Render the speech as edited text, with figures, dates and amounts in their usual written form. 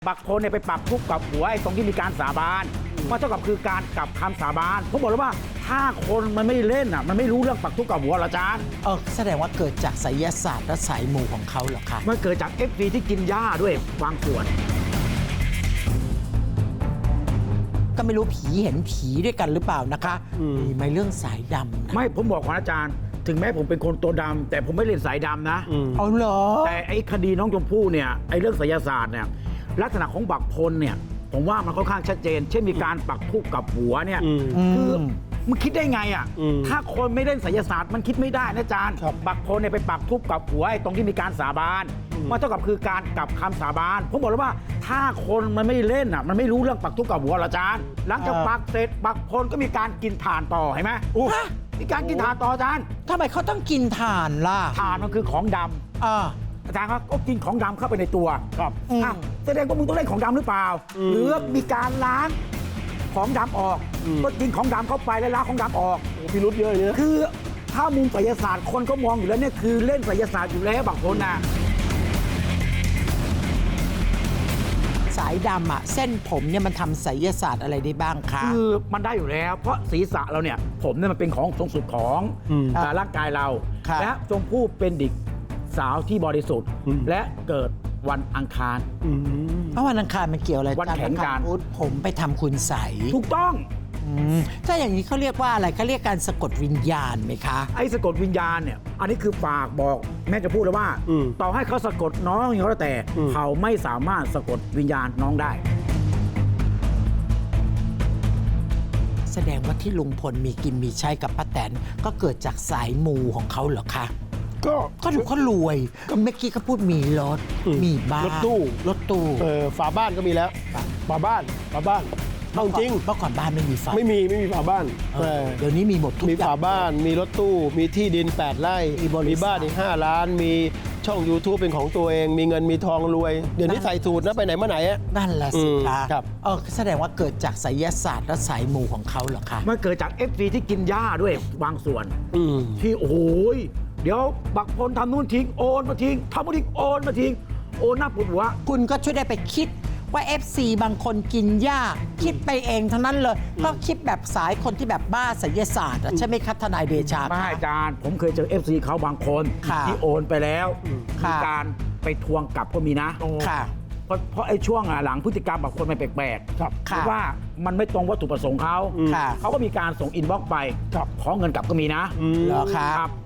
บางคนเนี่ยไปปักทุกข์กับหัวไอ้ตรงที่มีการสาบานมันเท่ากับคือการกลับคำสาบานผมบอกเลยว่าถ้าคนมันไม่เล่นอ่ะมันไม่รู้เรื่องปักทุกข์กับหัวหรออาจารย์แสดงว่าเกิดจากไสยศาสตร์และสายมูของเขาเหรอคะมันเกิดจาก FV ที่กินหญ้าด้วยบางส่วนก็ไม่รู้ผีเห็นผีด้วยกันหรือเปล่านะคะมีไหมเรื่องสายดำนะไม่ผมบอกของอาจารย์ ถึงแม้ผมเป็นคนตัวดำแต่ผมไม่เล่นสายดำนะเอาเหรอแต่ไอ้คดีน้องชมพู่เนี่ยไอ้เรื่องไสยศาสตร์เนี่ยลักษณะของบักพลเนี่ยผมว่ามันค่อนข้างชัดเจน เช่นมีการปักทุกข์กับหัวเนี่ยคือมันคิดได้ไงอ่ะถ้าคนไม่เล่นไสยศาสตร์มันคิดไม่ได้นะอาจารย์บักพลเนี่ยไปปักทุกข์กับหัวไอ้ตรงที่มีการสาบานมันเท่ากับคือการกลับคำสาบานผมบอกเลยว่าถ้าคนมันไม่เล่นอ่ะมันไม่รู้เรื่องปักทุกข์กับหัวหรออาจารย์หลังจากปักเสร็จบักพลก็มีการกินถ่านต่อเห็นไหมมีการกินถ่านต่ออาจารย์ทำไมเขาต้องกินถ่านล่ะถ่านมันคือของดำอาจารย์ครับก็กินของดำเข้าไปในตัวครับแสดงว่ามึงต้องเล่นของดำหรือเปล่าหรือมีการล้างของดำออกก็กินของดำเข้าไปแล้วล้างของดำออกพิรุธเยอะเลยคือถ้ามุมไสยศาสตร์คนก็มองอยู่แล้วเนี่ยคือเล่นไสยศาสตร์อยู่แล้วบางคนนะสายดำอะเส้นผมเนี่ยมันทำไสยศาสตร์อะไรได้บ้างคะคือมันได้อยู่แล้วเพราะศีรษะเราเนี่ยผมเนี่ยมันเป็นของทรงสุดของร่างกายเราและชมพู่เป็นเด็กสาวที่บริสุทธิ์และเกิดวันอังคารเพราะวันอังคารมันเกี่ยวอะไรวันแข็งการพุธผมไปทำคุณใสถูกต้องถ้าอย่างนี้เขาเรียกว่าอะไรเขาเรียกการสะกดวิญญาณไหมคะไอ้สะกดวิญญาณเนี่ยอันนี้คือฝากบอกแม่จะพูดเลยว่าต่อให้เขาสะกดน้องอย่างไรแต่เขาไม่สามารถสะกดวิญญาณน้องได้แสดงว่าที่ลุงพลมีกินมีใช้กับป้าแตนก็เกิดจากสายมูของเขาเหรอคะ ก็ดูเขารวยเมื่อกี้เขาพูดมีรถมีบ้านรถตู้ ฝาบ้านก็มีแล้วฝาบ้านเอาจริงเมื่อก่อนบ้านไม่มีไฟไม่มีฝาบ้านเดี๋ยวนี้มีหมดทุกมีอย่าฝาง บ้านมีรถตู้มีที่ดิน 8 ไร่มีบริษัทมีบ้านอีก5 ล้าน มีช่อง YouTube เป็นของตัวเอง มีเงินมีทองรวย เดี๋ยวนี้ใส่สูตรนะไปไหนมาไหนอะนั่นแหละสิคะครับแสดงว่าเกิดจากไสยศาสตร์และสายมูของเขาเหรอคะมันเกิดจาก FV ที่กินหญ้าด้วยบางส่วน ที่โอ้โหเดี๋ยวบักพลทำนู่นทิ้งโอนมาทิ้งทำนู่นทิ้งโอนมาทิ้งโอนหน้าปวดหัวคุณก็ช่วยได้ไปคิดว่า FC บางคนกินหญ้าคิดไปเองทั้งนั้นเลยก็คิดแบบสายคนที่แบบบ้าไสยศาสตร์อะใช่ไหมคะทนายเดชาไม่คะอาจารย์ผมเคยเจอ FC เขาบางคนค่ะที่โอนไปแล้วค่ะมีการไปทวงกลับก็มีนะค่ะเพราะไอ้ช่วงหลังพฤติกรรมบางคนมันแปลกๆเพค่ะราะว่ามันไม่ตรงวัตถุประสงค์เขาค่ะเขาก็มีการส่งอินบ็อกซ์ไปขอเงินกลับก็มีนะเหรอคะครับ